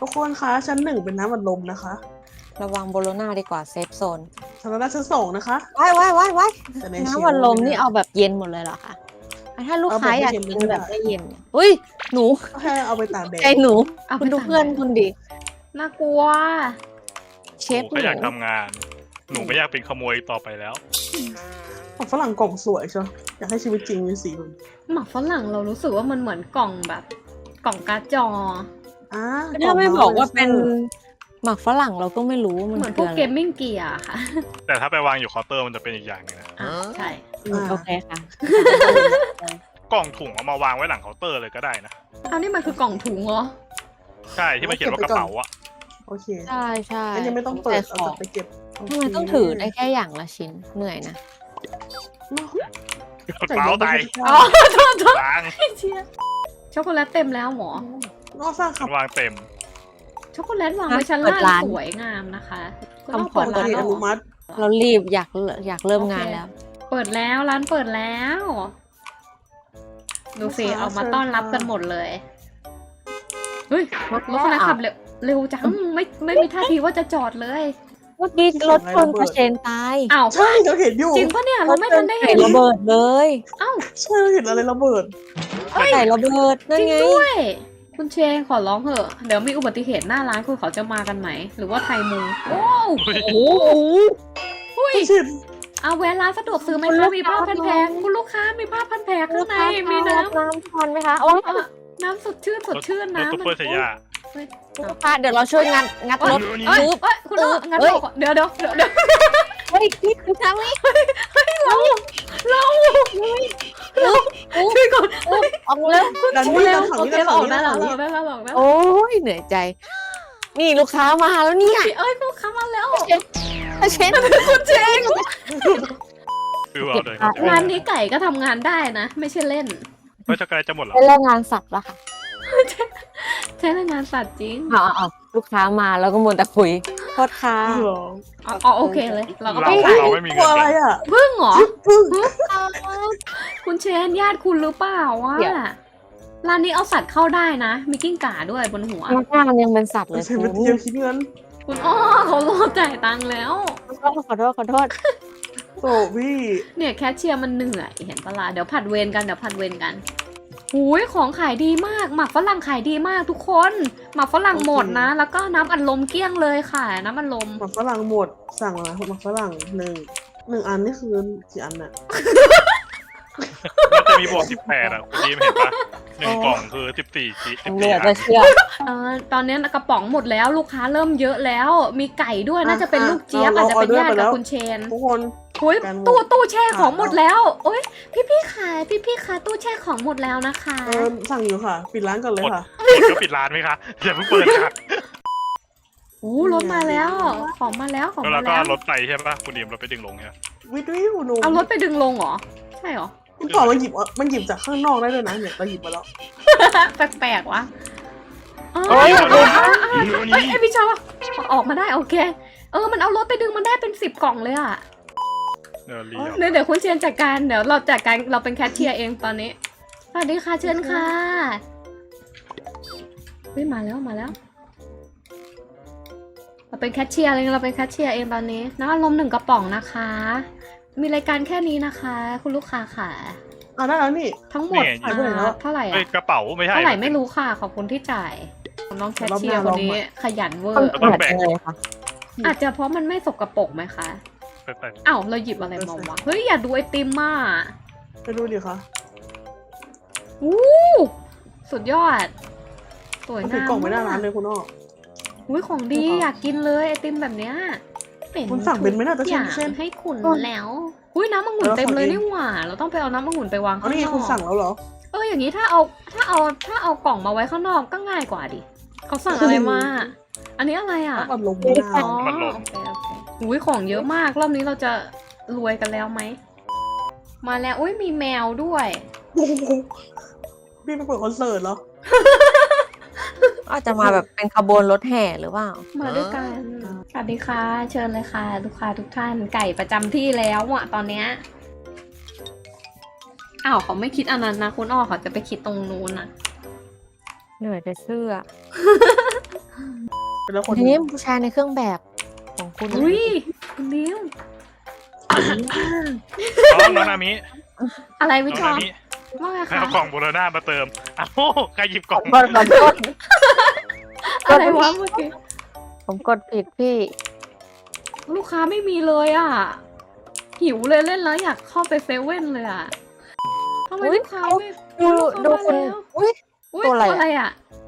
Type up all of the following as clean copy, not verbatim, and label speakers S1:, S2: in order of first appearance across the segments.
S1: ทุกคนคะชั้น1เป็นน้ำอัดลมนะคะ
S2: ระวังโบโลนาดีกว่าเซฟโซน
S1: ชั้นชั้น2นะคะ
S2: ว้าย
S1: แต่ใน
S2: น้ำอัดลมนี่เอาแบบเย็นหมดเลยเหรอคะถ้าลูกค้าอยากกินแบบไม่เย็นอุ้ยหนู
S1: แค่เอาไปตากแดด
S2: ใจหนูคุณดูเพื่อนคุณดิ
S3: น่ากลัว
S2: เช
S4: ห
S2: ฟ
S4: นู
S2: ห
S4: ก็
S2: นู
S4: อยากทำงาน หนูไม่อยากเป็นขโมยต่อไปแล้ว
S1: ของฝรั่งกล่องสวยใช่ไหมอยากให้ชีวิตจริงมีสีแบบนี้
S3: หมักฝรั่งเรารู้สึกว่ามันเหมือนกล่องแบบกล่องการ์ดจอ
S2: ถ้าไม่บอกว่าเป็นหมักฝรั่งเราก็ไม่รู้ว่ามัน
S3: เหมือนพ
S2: คื
S3: ว
S2: อก อะไร
S3: เกมมิ่งเกียร์ค่ะ
S4: แต่ถ้าไปวางอยู่เคาน์เตอร์มันจะเป็นอีกอย่างหนึงนะ
S3: ใช่
S2: โอเคค่ะ
S4: กล่องถุงเอามาวางไว้หลังเคาน์เตอร์เลยก็ได้นะ
S3: อันนี้มันคือกล่องถุงเหรอ
S4: ใช่ที่มันเขียนว่ากระเป๋าอะ
S1: โอเค
S2: ใช่ใช่
S1: อันยังไม่ต้องเปิด
S2: แต่
S1: เอา
S2: ของ
S1: ไปเก็บ
S2: ทำไมต้องถือได้แค่อย่างละชิ้นเหนื่อยนะ
S4: กระเป๋าไต
S3: อ๋อโทษ
S4: ล้าง
S3: เชียช็อกโกแลตเต็มแล้วหมอ
S1: นอกสร้างขั
S4: มั
S1: บ
S4: นวางเต็ม
S3: ช็อกโกแลตวางไว้ชั้นล่างสวยงามนะคะก็ต้องเปิด
S1: ตอน
S3: ร้าน
S1: นี้อ
S3: แล้ว
S1: นุมัติ
S2: เรารีบอยากเริ่มงานแล้ว
S3: เปิดแล้วร้านเปิดแล้ว ดูสิออกมาต้อนรับกันหมดเลยเฮ้ยรถคันนั้นขับเร็วจังไม่มีท่าทีว่าจะจอดเลย
S2: เมื่อกี้รถชนกระเชนตาย
S3: อ้าว
S1: ใช่เราเห็นอยู่
S3: จริงปะเนี่ยเราไม่ทันได้เห็น
S2: ระเบิดเลย
S3: อ้าว
S1: ใช่เราเห็นอะไรระเบิด
S2: ไก่ระเบิดนั่
S3: จ
S2: น
S3: ริง
S2: ไง
S3: ด้วย คุณเชนขอร้องเถอะเดี๋ยวมีอุบัติเหตุหน้าร้านคุณเขาจะมากันไหมหรือว่าไทยมุงโอ้
S2: โอ้โห
S3: หุ้ย
S1: ชิด
S3: เอาแวะร้านสะดวกซื้อไหมคะมีผ้าพันแผลคุณลูกค้ามีผ้าพันแผลข้างในมีน้
S2: น้ำทานไหมคะโอ้ย
S3: ำน้ำสดชื่น
S4: รถ
S3: น้ำ
S4: ซุปเปอร์เซย่า
S2: ลูกค้าเดี๋ยวเราช่วยงัดรถ
S3: เอ้ยเอ้ยคุณงั้นเดี๋ยว
S2: เฮ้ยนี่คือทางนี้
S3: เราช่วยก่อน
S2: ออกเร็ว
S1: ดันนี่ดันถัง
S3: โอ
S1: นี้
S3: เค
S1: ดัน
S3: เรา
S1: ถั
S3: อง อก
S1: นี้
S3: ได้
S1: ดัน
S3: แล้ว
S1: ถัง
S3: เรา
S1: นี้
S3: ได้แล้วเราออกได้แล้ว
S2: โอ้ยเหนื่อยใจ นี่ลูกค้ามาแล้วเนี่ย
S3: เอ้ยลูกค้ามาแล้ว
S2: เช็ด
S3: คุณเชน
S4: คือเอาเลย
S3: ร้านนี้ไก่ก็ทำงานได้นะ ไม่ใช่เล่น
S4: เฮ้ยช็อกโกแลตจะหมดเหรอ
S2: เป็นแรงงานสัตว์แล้วค่ะ
S3: ใช่แรงงานสัตว์จริง
S2: เอาลูกค้ามาแล้วก็มัวแต่คุยโทษค่ะ
S1: เหรอ
S3: อ๋อโอเคเลย เราก็
S4: เรา
S3: ต้องขาย
S4: เราไม่มี
S1: ตั
S4: เงิ
S1: วน อะไร
S4: กัน
S1: อ่ะ
S3: พึ่งเหรอ
S1: พึ่ง
S3: คุณเชนญาติคุณหรือเปล่าวะร้านนี้เอาสัตว์เข้าได้นะ มีกิ้งก่าด้วยบนหัว
S2: พนักงานยังเป็นสัตว์เล
S1: ไม่
S2: ย
S1: ใช่
S2: คุ
S1: เป็น
S2: ณ
S1: เทียมคิดเงิน
S3: คุณอ้อเขารอจ่ายตังค์แล้ว
S2: ขอโทษ
S1: โตพี่
S3: เนี่ยแคชเชียร์มันเหนื่อยเห็นปะล่ะเดี๋ยวผัดเวรกันหูยของขายดีมากหมักฝรั่งขายดีมากทุกคนหมักฝรั่งหมดนะ แล้วก็น้ำอัดลมเกลี้ยงเลยค่ะน้ำอัดลม
S1: หมักฝรั่งหมดสั่งอะไรหมักฝรั่งหนึ่งอันนี่คือกี่อันน่ะ
S4: มันจะมีบวก18อ่ะคุณดีมเห็นปะหนึ่งกล่องคือ14
S2: เหลือ
S4: 14
S2: จะเชื่อ
S3: ตอนนี้กระป๋องหมดแล้วลูกค้าเริ่มเยอะแล้ว มีไก่ด้วยน่าจะเป็นลูกเจี๊ยบอาจจะเป็นญาติกับคุณเชน
S1: ทุกคน
S3: โอ้ยตู้แช่ของหมดแล้วโอ้ยพี่ขายพี่คะตู้แช่ของหมดแล้วนะคะ
S1: สั่งอยู่ค่ะ ปิดร้านก่อนเลยค่ะ
S4: หมดก็ปิดร้านไหมคะอย่าเพิ่งเปิดค่ะ
S3: โอ้รถมาแล้วของมาแล้ว
S4: แล้วเราก็รถไปใช่ปะคุณดีมเราไปดึงลงเนี่ย
S1: วิทวิวหนู
S3: เอารถไปดึงลงเหรอใช่เหรอ
S1: คุณต่อมันหยิบจากข้างนอกได้ด้วยนะเนี่ยเราหยิบมาแล้ว
S3: แปลกๆวะ
S4: เฮ้ย
S3: ไอพี่ชอบออกมาได้โอเคมันเอารถไปดึงมันได้เป็น10 กล่องเลยอ่ะ
S4: เดี๋ยว
S3: คุณเชียนจัดการเดี๋ยวเราจัดการเราเป็นแคชเชียร์เองตอนนี้สวัสดีค่ะเชิญค่ะเฮ้ยมาแล้วเราเป็นแคชเชียร์เลยเราเป็นแคชเชียร์เองตอนนี้น้ำอัดลม1 กระป๋องนะคะ มีรายการแค่นี้นะคะ คุณลูกค้าค่ะ
S1: ได้แล้วนี่
S3: ทั้งหมดเท่าไหร่
S4: เฮ้ย
S3: อะ
S4: กระเป๋าไม่ใช่
S3: เท่าไหร่ไม่รู้ค่ะขอบคุณที่จ่ายน้องแคชเชียร์คนนี้ขยันเวอ
S2: ต้อง
S3: ร์
S2: แบ่งเลยค่ะ
S3: อาจจะเพราะมันไม่สกปรกไหมคะ
S4: ไป
S3: อ้าวเราหยิบอะไรมาวะเฮ้ยอย่าดูไอติมมา
S1: ไปดูดิคะ
S3: อู้สุดยอดสวย
S1: มันถื
S3: งา
S1: อ
S3: ม
S1: กล่องไว้หน้าร้านเลยคุณอ้อ
S3: อุ้ยของดีอยากกินเลยไอติมแบบเนี้ยเป็น
S1: คุณสั่งเป็นไหมน่าจะ
S3: ทุกอย่าง
S1: เช่น
S3: ให้คุณแล้วอุ้ยน้ำองุ่นเต็มเลยนี่หว่าเราต้องไปเอาน้ำองุ่นไปวาง
S1: เอา
S3: ข้าง
S1: นี่
S3: น
S1: คุณ
S3: อก
S1: สั่งแล้วเหรอ
S3: อย่างนี้ถ้าเอากล่องมาไว้ข้างนอกก็ง่ายกว่าดิเขาสั่งอะไรมาอันนี้อะไรอ่ะ
S1: อัดลมไม่ได้
S3: อ๋อโอเคอุ้ยของเยอะมากรอบนี้เราจะรวยกันแล้วไหมมาแล้วอุ้ยมีแมวด้วย
S1: พี่ไปเปิดคอนเสิร์ตเหรอ
S2: อาจจะมาแบบเป็นขบวนรถแห่หรือเปล่า
S3: มาด้วยกันสวัสดีค่ะ เชิญเลยค่ะลูกค้าทุกท่านไก่ประจำที่แล้วอ่ะตอนเนี้ยอ้าวเขาไม่คิดอันนั้นนะคุณอ้อเขาจะไปคิดตรงนู้นอ่ะ
S2: เหนื่อยจะเชื่อ
S1: เป็นแล้วคน
S2: ทีนี้ผู้ชายในเครื่องแบบของคุณ
S3: อุ้ยคุณดิว
S4: น้องนามิ
S3: อะไร
S4: น้
S3: วิ
S4: อง
S3: จอ
S4: นา
S3: ร์
S4: มิ
S3: ว่าไง
S4: ให้
S3: คะ
S4: เอากล่องโบโลน่ามาเติมอ้าวใครหยิบกล่อง
S2: ขอโทษ
S3: อะไรวะเมื่อกี้
S2: ผมกดผิดพี่
S3: ลูกค้าไม่มีเลยอ่ะ หิวเลยเล่นแล้วอยากเข้าไปเซเว่นเลยอ่ะทำไม
S2: อุ๊ย
S3: ลูกค้าไม่
S2: ดู
S3: ลูก
S2: ดู
S3: ค้า
S2: คุณ
S3: มาแล้ว
S2: อุ้ย
S3: อุ๊ย
S2: ตัวอะไร
S3: อะไรอ่ะ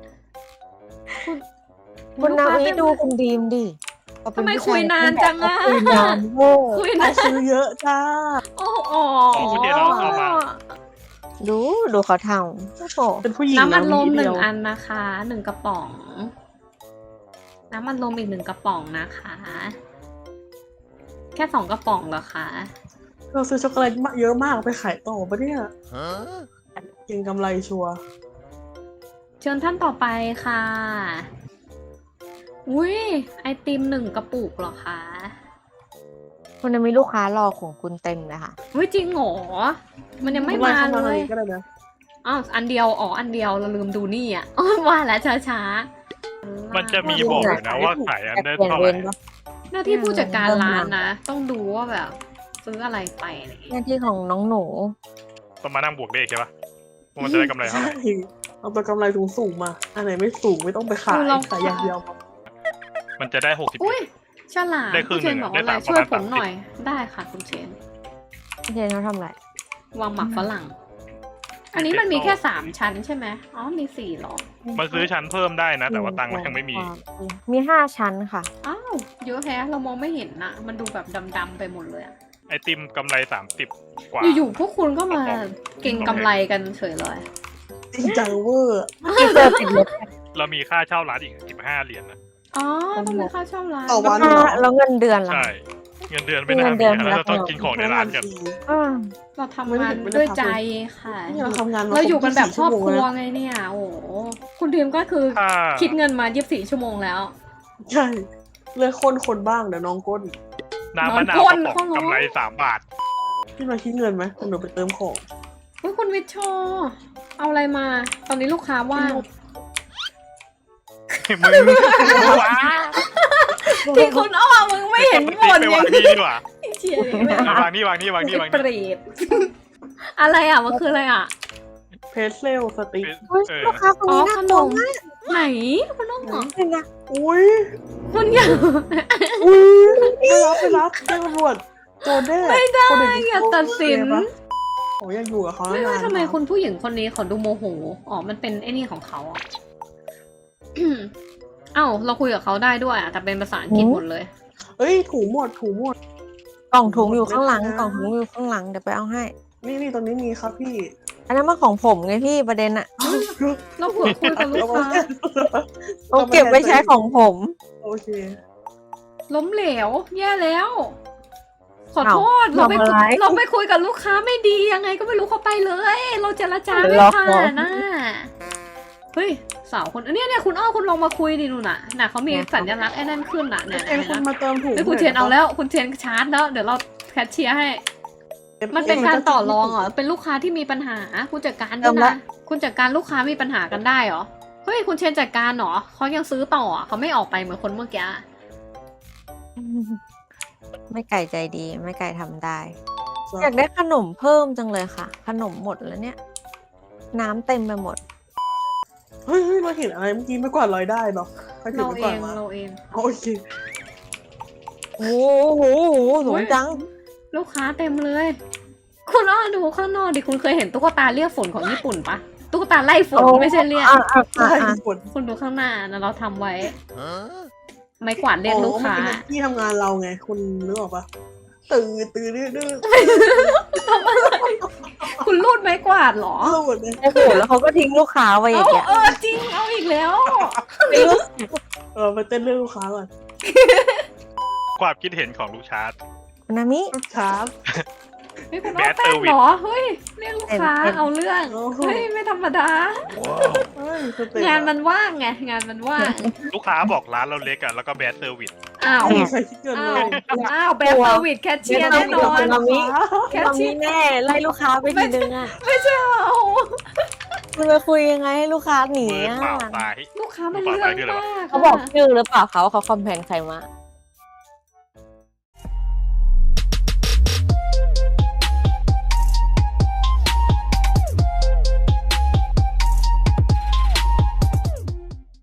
S2: คุณนาวิ
S3: ลูกค้า
S2: ดูคุณดีมดิ
S3: ทำไมคุยนานจังอะ
S2: คุยนานเวอร์
S3: คุย
S1: ใคร
S3: นะ
S1: ซื้อเยอะจ้า
S3: โอ้โห
S4: คุณเดียเราเอามา
S2: ดูเขาทำโอ้โห
S1: เป็นผู้หญิง
S3: น้ำอัดลม
S1: เา
S3: หนึ่ง
S1: เดียว
S3: อันนะคะ1กระป๋อง น้ำอัดลมอีก1กระป๋องนะคะ แค่2กระป๋องเหรอคะ
S1: เราซื้อช็อกโกแลตเยอะมากไปขายต่อปะเนี่ยเก่งกำไรชัวร์
S3: เชิญท่านต่อไปค่ะ อุ้ยไอติม1กระปุกเหรอคะ
S2: คุณจะมีลูกค้ารอของคุณเต็มเลยค่ะ
S3: อุ้ยจริงเหรอ มันยังไม่มา
S1: ข้
S3: เล
S1: ทง
S3: ย
S1: นี้ก็ได้นะ
S3: อ้าวอันเดียวอ๋ออันเดียวเราลืมดูนี่อ่ะ อ๋อว่าแล้วช้าๆ
S4: มันจะมีบอกอยู่นะว่าขายอันได้
S2: เปลี่ยน
S4: เท่า
S2: เว
S4: ไหร่
S2: รปะ
S3: หน้าที่ผู้จัดการร้านนะ ต้องดูว่าแบบซื้ออะไรไปอะไรอย่าง
S2: ห
S3: เงี้ย
S2: น้าที่ของน้องหนู
S4: ต้องมานั่งบวกเลขใช่ปะว่ามันจะได้กำไรเท่า
S1: ใช่
S4: ไหร่
S1: เอาตัวกำไรสูงๆมา อันไหนไม่สูงไม่ต้องไปขายขายอย่างเดียว
S4: มันจะได้60
S3: อุ้ยฉลาด
S4: ได้ครึ่
S3: คุณ
S4: ง
S3: เช
S4: หนึ่
S3: น
S4: ง
S3: บอก
S4: ได้
S3: ว่าอะไร
S4: สาม
S3: ช่วย
S4: ประ
S3: ผ
S4: มาณ
S3: มหน่อย ได้ค่ะคุณเชน
S2: พี่เจนเขาทำอะไร
S3: วางหมักฝรั่ง อันนี้มันมีแค่3ชั้นใช่ไหมอ๋อมี4หรอ
S4: มันซื้อชั้นเพิ่มได้นะ แต่ว่าตังค์มันยังไม่มี
S2: มี5 ชั้นค่ะ
S3: อ้าวเยอะแฮะเรามองไม่เห็นนะมันดูแบบดำๆไปหมดเลยอะ
S4: ไอติมกำไร30กว่า
S3: อยู่ๆพวกคุณก็มาเก่งกำไรกันเฉยเลย
S1: จริงจังเวอร์
S2: พี่เจอติดลบ
S4: เรามีค่าเช่าร้านอีก15 เหรียญนะ
S3: อ๋อต้องมีค่าเช่าร้าน
S1: ต่อวัน
S2: แล้วเงินเดือนล่ะ
S4: ใช่ เงินเดือนไม่น่า
S2: เงินเดื
S4: มี
S2: อน
S4: นะเราต้องกินของในร้านกัน
S2: อ่า
S3: เราทำงานด้วยใจค่ะ
S1: นี่เราทำงานมา
S3: เราอยู่กันแบบครอบครัว
S1: 24
S3: ไงเนี่ย โอ้โหคุณทีมก็คือ
S4: ถ้า
S3: คิดเงินมา24 ชั่วโมงแล้ว
S1: ใช่เลือกคนบ้างเดี๋ยวน้องก้น
S4: น้ำมะนาว
S3: นอน
S4: กระป๋อง
S3: พ่อ
S4: กำไร3 บาท
S1: พี่มาคิดเงินไหมเดี๋ยวไปเติมของ
S3: เฮ้ยคุณวิทย์โชว์เอาอะไรมา ตอนนี้ลูกค้าว่าง
S4: มึงว้า
S3: ที่คุณอ้อมึงไม่เห็นบ่น
S4: ไป
S3: ยั
S4: วาง
S3: ง
S4: นี่ดีกว่า
S3: เชียร์เลย
S4: วางนี่
S3: เปรตอะไรอ่ะมันคืออะไรอ่ะ
S1: เพสเซลสติ๊ก
S2: เฮ้ย
S4: เออ
S2: ลูกค้าคน
S3: อ๋อ
S2: นี้
S3: ข
S2: น่าน กลัว
S3: ม
S2: มาก
S3: ไหนคุณน้องเหรอ
S2: เห็นนะ
S1: อุ้ย
S3: คุณอยาก
S1: อุ้ยไปรับแจ้งตำรวจโจรแน่
S3: ไม่ได้
S1: คนอื่น
S3: อย่าตัดสิน
S1: ผมอยากอยู่กับเขา
S3: ไม่
S1: นาน
S3: ทำไมคุณผู้หญิงคนนี้เขาดูโมโห อ๋อ มันเป็นไอ้นี่ของเขาอ่ะ เอ้า เราคุยกับเขาได้ด้วยอ่ะ แต่เป็นภาษาอังกฤษหมดเลย
S1: เอ้ยถูหมด
S2: กล่องถุงอยู่ข้างหลังกล่องถุงอยู่ข้างหลังเดี๋ยวไปเอาให้
S1: นี่ตรงนี้มีครับพี่
S2: อันนั้นมันของผมไงพี่ประเด็นอะ
S3: เราเผื่อคุยกับลูกค้า
S2: เอาเก็บไว้ใช้ของผม
S1: โอเค
S3: ล้มเหลว แย่แล้ว ขอโทษ
S2: เรา
S3: เราไป
S2: ทำอะไร
S3: เราไปคุยกับลูกค้าไม่ดียังไงก็ไม่รู้เขาไปเลย เราเจรจาไม่
S2: ล็อก
S3: ผ่า
S2: เหรอ
S3: นน่ะเฮ้ย สาวคนเนี่ยคุณอ้อคุณลองมาคุยดิหนูน่ะน่ะเขามีสัญลักษณ์ไอ้นั่นขึ้นน่ะเนี่ย
S1: เอ็นคุณมาเติมถูก
S3: เฮ้ยคุณเชนเอาแล้ว คุณเชนชาร์จแล้ว เดี๋ยวเราแคชเชียร์ให้ มันเป็นการต่อรองเหรอ เป็นลูกค้าที่มีปัญหาคุณจัดการด้วยนะ คุณจัดการลูกค้ามีปัญหากันได้เหรอ เฮ้ยคุณเชนจัดการเหรอเขายังซื้อต่ออ่ะเขาไม่ออกไปเหมือนคนเมื่อกี้
S2: ไม่ไก่ใจดีไม่ไก่ทำได้ อยากได้ขนมเพิ่มจังเลยค่ะ ขนมหมดแล้วเนี่ย น้ำเต็มไปหมด
S1: เฮ้ยเราเห็นอะไรเมื่อกี้ไม่กวาดลอยได้หรอถ้าถือ
S3: เรา
S1: ไม่
S3: เอก
S1: วาด
S3: ง
S1: มา
S3: เราเอง
S1: โอเค
S2: โอ้โหสูงจัง
S3: ลูกค้าเต็มเลย คุณอ้อดูข้างนอกดิคุณเคยเห็นตุ๊กตาเรียกฝนของญี่ปุ่นปะตุ๊กตาไล่ฝน
S2: โอ้
S3: ไม่ใช่เรียก
S1: ใช่ผล
S3: คุณดูข้างหน้านะเราทำไว้ ไม้กวาดเรียกลูกค้า
S1: ที่ทำงานเราไง คุณนึกออกปะตื่นดื้อ
S3: คุณรูดไม้กวาดเหรอ
S1: ๆหมดเลย
S2: โอ้โหแล้วเขาก็ทิ้งลูกค้าไว้อย่างเงี้ย
S3: จริงเอาอีกแล้ว
S1: ไปเต้นเรื่องลูกค้าก่อน
S4: ความคิดเห็นของลูกชาร์ต
S2: คุณนามิ
S1: ลูกค้า
S3: เฮ้ยคุณอ้อแป้งเหรอเฮ้ยเรียกลูกค้าเอาเรื่อง
S1: โอ้โห
S3: เฮ้ยไม่ธรรมดา
S1: เฮ้ยสเต็ป
S3: งานมันว่างไงงานมันว่าง
S4: ลูกค้าบอกร้านเราเล็กอะแล้วก็แบดเซอร์วิส
S3: อ้าว
S1: ไม่มีใครคิดเงิน
S3: อ้า
S1: เล
S3: วย อ้าวแบรนด์เซอร์วิสแคชเชียร์แน่นอน
S2: นามิ
S3: แคช
S2: นามิ
S3: เชียร์
S2: แน่ไล่ลูกค้าไปทีนึงอะ
S3: ไม่ใช่เหรอ
S2: คุณไปคุยยังไงให้ลูกค้าหนี
S4: มือ
S2: อ่ะ
S4: เปล่าตาย
S3: ลูกค้ามันเรื่องมาก
S2: เขาบอกชื่อหรือเปล่าเขาว่าเขาคอมเพลนใครมา